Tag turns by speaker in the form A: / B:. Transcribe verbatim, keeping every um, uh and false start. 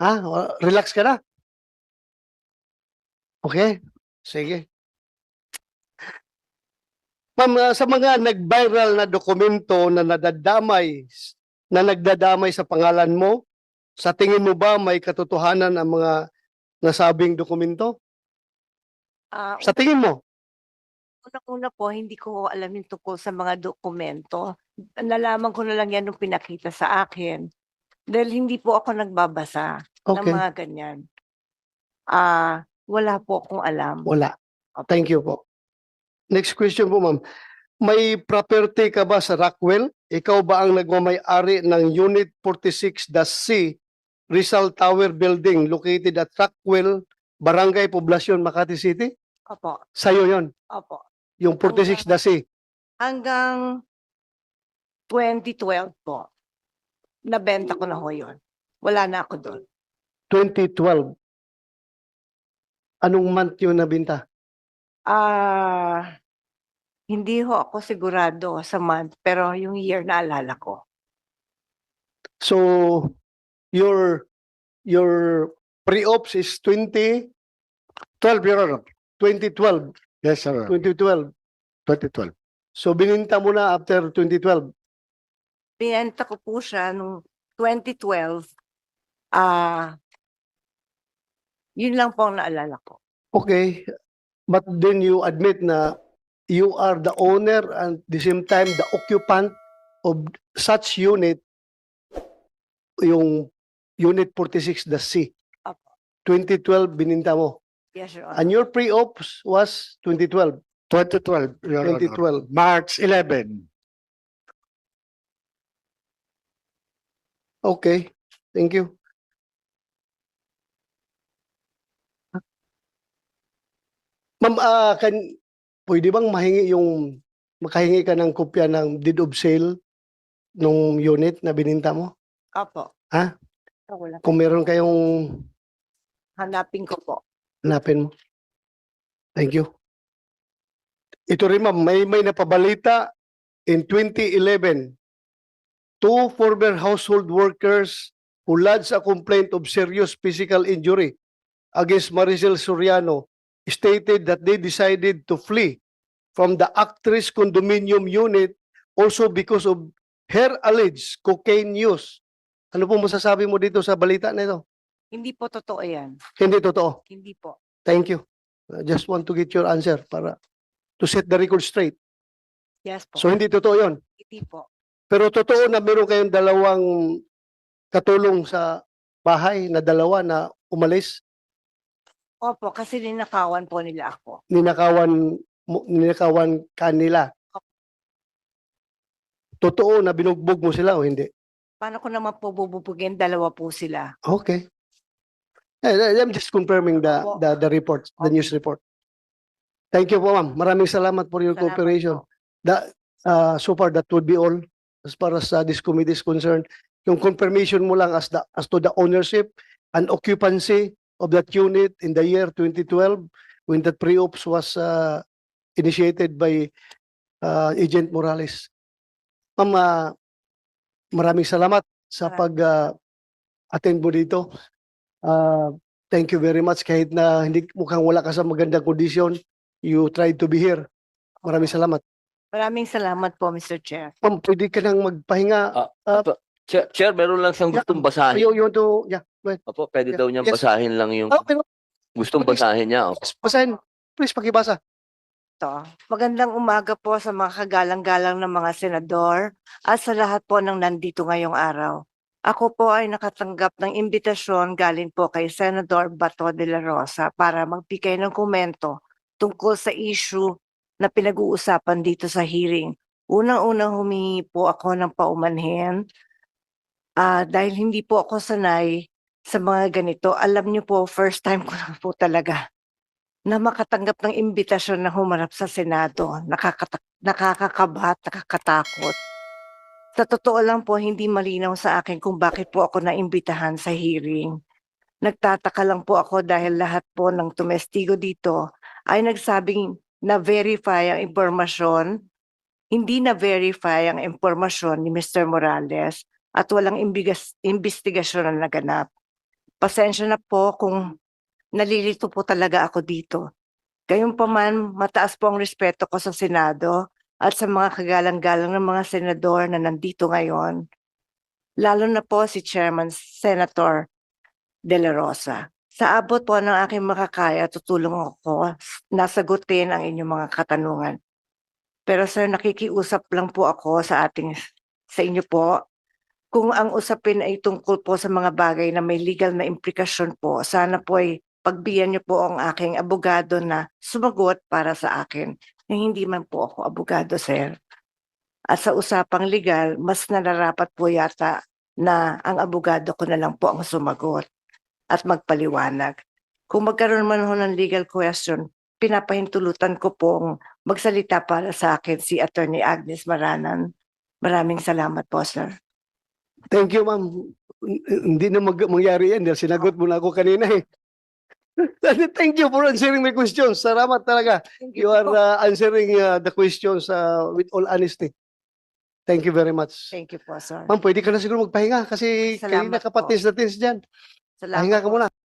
A: Ha? O, relax ka na? Okay. Sige. Ma'am, ah, sa mga nag-viral na dokumento na nadadamay, na nagdadamay sa pangalan mo, sa tingin mo ba may katotohanan ang mga nasabing dokumento?
B: Ah,
A: Sa tingin mo?
B: unang-una po, hindi ko alam yung tungkol sa mga dokumento. Nalaman ko na lang yan nung pinakita sa akin. Dahil hindi po ako nagbabasa ng
A: Okay.
B: mga ganyan. Ah, wala po akong alam.
A: Wala.
B: Opo.
A: Thank you po. Next question po, ma'am. May property ka ba sa Rockwell? Ikaw ba ang nagmamay-ari ng Unit forty-six C Rizal Tower Building located at Rockwell, Barangay Poblacion, Makati City?
B: Opo.
A: Sa'yo yon,
B: Opo.
A: yung forty-six C.
B: Hanggang twenty twelve po, nabenta ko na ho yun. Wala na ako doon.
A: twenty twelve. Anong month yun nabinta?
B: Ah, hindi ho ako sigurado sa month, pero yung year naalala ko.
A: So, your your pre-ops is twenty twelve, Your Honor. twenty twelve.
C: Yes, sir.
A: twenty twelve.
C: twenty twelve.
A: So, bininta mo na after twenty twelve.
B: Binenta ko po siya nung twenty twelve. Ah, yun lang po ang naalala ko.
A: Okay. But then you admit na you are the owner and at the same time the occupant of such unit, yung Unit forty-six C.
B: Apo.
A: twenty twelve bininta mo.
B: Yes, Your
A: And
B: Honor.
A: your pre-ops was twenty twelve.
C: twenty twelve, Your
A: twenty
C: Honor.
A: twelve.
C: March eleventh.
A: Okay. Thank you. Ma'am, ah, kan, pwede bang mahingi yung, makahingi ka ng kopya ng deed of sale nung unit na bininta mo?
B: Opo.
A: Ha?
B: Ah, wala.
A: Kung meron kayong
B: Hanapin ko po.
A: hanapin mo. Thank you. Ito rin ma'am, may, may napabalita in twenty eleven. Two former household workers who lodged a complaint of serious physical injury against Maricel Soriano stated that they decided to flee from the actress condominium unit also because of her alleged cocaine use. Ano po masasabi mo dito sa balita na ito?
B: Hindi po totoo yan.
A: Hindi totoo.
B: Hindi po.
A: Thank you. I just want to get your answer para to set the record straight.
B: Yes po.
A: So hindi totoo yon.
B: Hindi po.
A: Pero totoo na meron kayong dalawang katulong sa bahay na dalawa na umalis,
B: Opo, kasi ninakawan po nila ako.
A: ninakawan, mo- ninakawan kanila. Totoo na binugbog mo sila o hindi?
B: Paano ko naman po bububugin? Dalawa po sila.
A: Okay. Eh, I'm just confirming the,
B: Opo.
A: the, the report, the
B: Okay.
A: news report. Thank you po ma'am. Maraming salamat for your
B: Salamat
A: cooperation.
B: po.
A: That, uh, so far, that would be all as far as uh, this committee is concerned. Yung confirmation mo lang as, the, as to the ownership and occupancy of that unit in the year twenty twelve when that pre-ops was uh, initiated by uh, Agent Morales. Ma'am, uh, maraming salamat sa
B: Maraming
A: pag uh, attend mo dito. Uh, thank you very much kahit na hindi mukhang wala ka sa magandang kondisyon. You tried to be here. Maraming salamat.
B: Maraming salamat po, Mister Chair.
A: Ma'am, pwede ka nang magpahinga.
D: Ah,
A: Ah,
D: Apo, Chair, Chair, meron lang siyang
A: Yeah.
D: gustong basahin.
A: You, you want to, yeah. Go ahead.
D: Opo, pwede
A: Yeah.
D: daw niyang
A: Yes.
D: basahin lang yung
A: Oh, pero
D: gustong
A: please.
D: basahin niya. Opo.
A: basahin. Please, pakibasa.
B: To. Magandang umaga po sa mga kagalang-galang ng mga senador at sa lahat po ng nandito ngayong araw. Ako po ay nakatanggap ng imbitasyon galing po kay Senador Bato de la Rosa para magbigay ng komento tungkol sa issue na pinag-uusapan dito sa hearing. Unang-unang humingi po ako ng paumanhin ah, dahil hindi po ako sanay sa mga ganito. Alam niyo po, first time ko na po talaga na makatanggap ng imbitasyon na humarap sa Senado. Nakakata- nakakakabahat, nakakatakot. Sa totoo lang po, hindi malinaw sa akin kung bakit po ako naimbitahan sa hearing. Nagtataka lang po ako dahil lahat po ng tumestigo dito ay nagsabing na-verify ang impormasyon, hindi na-verify ang impormasyon ni Mister Morales at walang imbigas, investigasyon na naganap. Pasensya na po kung nalilito po talaga ako dito. Gayunpaman, mataas po ang respeto ko sa Senado at sa mga kagalang-galang ng mga senador na nandito ngayon. Lalo na po si Chairman Senator De La Rosa. Sa abot po ng aking makakaya, tutulong ako na sagutin ang inyong mga katanungan. Pero sir, nakikiusap lang po ako sa ating sa inyo po. Kung ang usapin ay tungkol po sa mga bagay na may legal na implikasyon po, sana po ay pagbigyan niyo po ang aking abogado na sumagot para sa akin. Hindi man po ako abogado, sir. At sa usapang legal, mas nararapat po yata na ang abogado ko na lang po ang sumagot at magpaliwanag. Kung magkaroon man ho ng legal question, pinapahintulutan ko pong magsalita para sa akin si Attorney Agnes Maranan. Maraming salamat po, sir.
A: Thank you, ma'am. Hindi na mag mangyari yan dahil sinagot mo na ako kanina eh. Thank you for answering my questions. Salamat talaga. You are uh, answering uh, the questions uh, with all honesty. Thank you very much.
B: Thank you po, sir.
A: Ma'am, pwede ka na siguro magpahinga kasi
B: Salamat
A: kanina ka
B: po.
A: patis na tins dyan.
B: Salamat
A: Pahinga ka
B: po.
A: muna.